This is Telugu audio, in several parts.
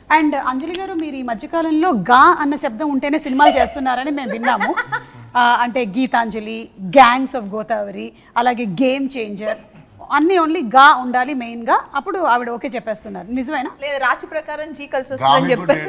అండ్ అంజలి గారు, మీరు ఈ మధ్యకాలంలో గా అన్న శబ్దం ఉంటేనే సినిమాలు చేస్తున్నారని మేము విన్నాము. అంటే గీతాంజలి, గ్యాంగ్స్ ఆఫ్ గోదావరి, అలాగే గేమ్ చేంజర్, అన్నీ ఓన్లీ గా ఉండాలి మెయిన్గా, అప్పుడు ఆవిడ ఓకే చెప్పేస్తున్నారు. నిజమేనా? లేదు, రాశి ప్రకారం జీ కలిసి వస్తుందని చెప్పారు.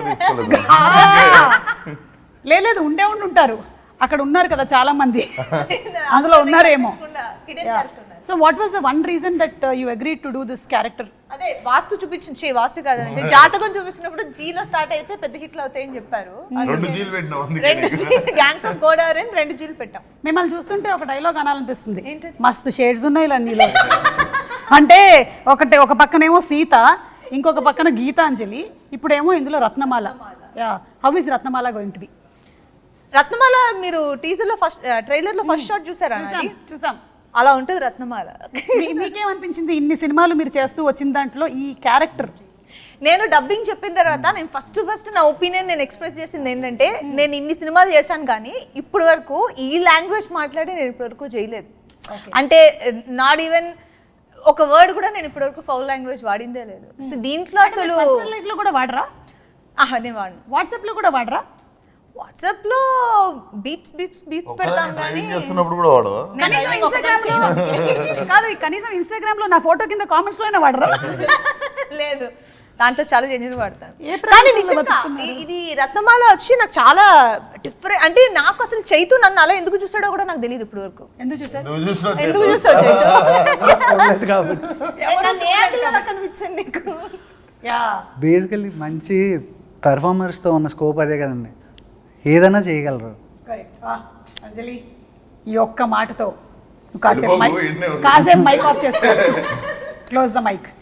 లేదు, ఉండే ఉంటారు, అక్కడ ఉన్నారు కదా చాలా మంది, అందులో ఉన్నారేమో. So what was the one reason that you agreed to do this character? అదే వాస్తు చూపించి, వాస్తు కాదంటే జాతకం చూపించినప్పుడు జీలో స్టార్ట్ అయితే పెద్ద హిట్లు అవుతాయని చెప్పారు. 2 జీలు పెట్టినాం, గ్యాంగ్స్ ఆఫ్ గోదావరి 2 జీలు పెట్టాం. మిమ్మల్ని చూస్తుంటే ఒక డైలాగ్ అనాలనిపిస్తుంది, మస్తు షేడ్స్ ఉన్నాయి ఇలా నీలో. అంటే ఒక పక్కనేమో సీత, ఇంకొక పక్కన గీతాంజలి, ఇప్పుడేమో ఇందులో Ratnamala. How is Ratnamala going to be? Ratnamala మీరు టీజర్ లో ఫస్ట్ ట్రైలర్ లో ఫస్ట్ షాట్ చూసారా? చూసాం. అలా ఉంటుంది రత్నమాల. మీకేమనిపించింది ఇన్ని సినిమాలు మీరు చేస్తూ వచ్చిన దాంట్లో ఈ క్యారెక్టర్? నేను డబ్బింగ్ చెప్పిన తర్వాత నేను ఫస్ట్ నా ఒపీనియన్ నేను ఎక్స్ప్రెస్ చేసింది ఏంటంటే, నేను ఇన్ని సినిమాలు చేశాను కానీ ఇప్పటి వరకు ఈ లాంగ్వేజ్ మాట్లాడి నేను ఇప్పటి వరకు చేయలేదు. అంటే నాట్ ఈవెన్ ఒక వర్డ్ కూడా నేను ఇప్పటి వరకు ఫౌల్ లాంగ్వేజ్ వాడిందే లేదు. సో దీంట్లో అసలు లైఫ్ లో కూడా వాడరా? నేను వాడిను. వాట్సాప్ లో కూడా వాడరా? వాట్సాప్ లో బీప్స్ పెడతాం కానీ చేస్తున్నప్పుడు కూడా వాడవా? కాదు, కనీసం ఇన్స్టాగ్రామ్ లో నా ఫోటో కింద కామెంట్స్ లోనే వాడరా? లేదు, దాంట్లో చాలా జెన్యూన్ వాడతాను. కానీ నిజంగా ఇది రత్నమాల వచ్చి నాకు చాలా డిఫరెంట్. అంటే నాకు అసలు చైతు నన్ను అలా ఎందుకు చూసాడో కూడా నాకు తెలియదు ఇప్పుడు వరకు. ఎందుకు చూసాడు చైతు? కనిపించండి నీకు. బేసికల్లీ మంచి పెర్ఫార్మర్స్తో ఉన్న స్కోప్ అదే కదండి, ఏదైనా చేయగలరు. అంజలి, ఈ ఒక్క మాటతో కాసేపు మైక్ ఆఫ్ చేసుకో, క్లోజ్ ద మైక్.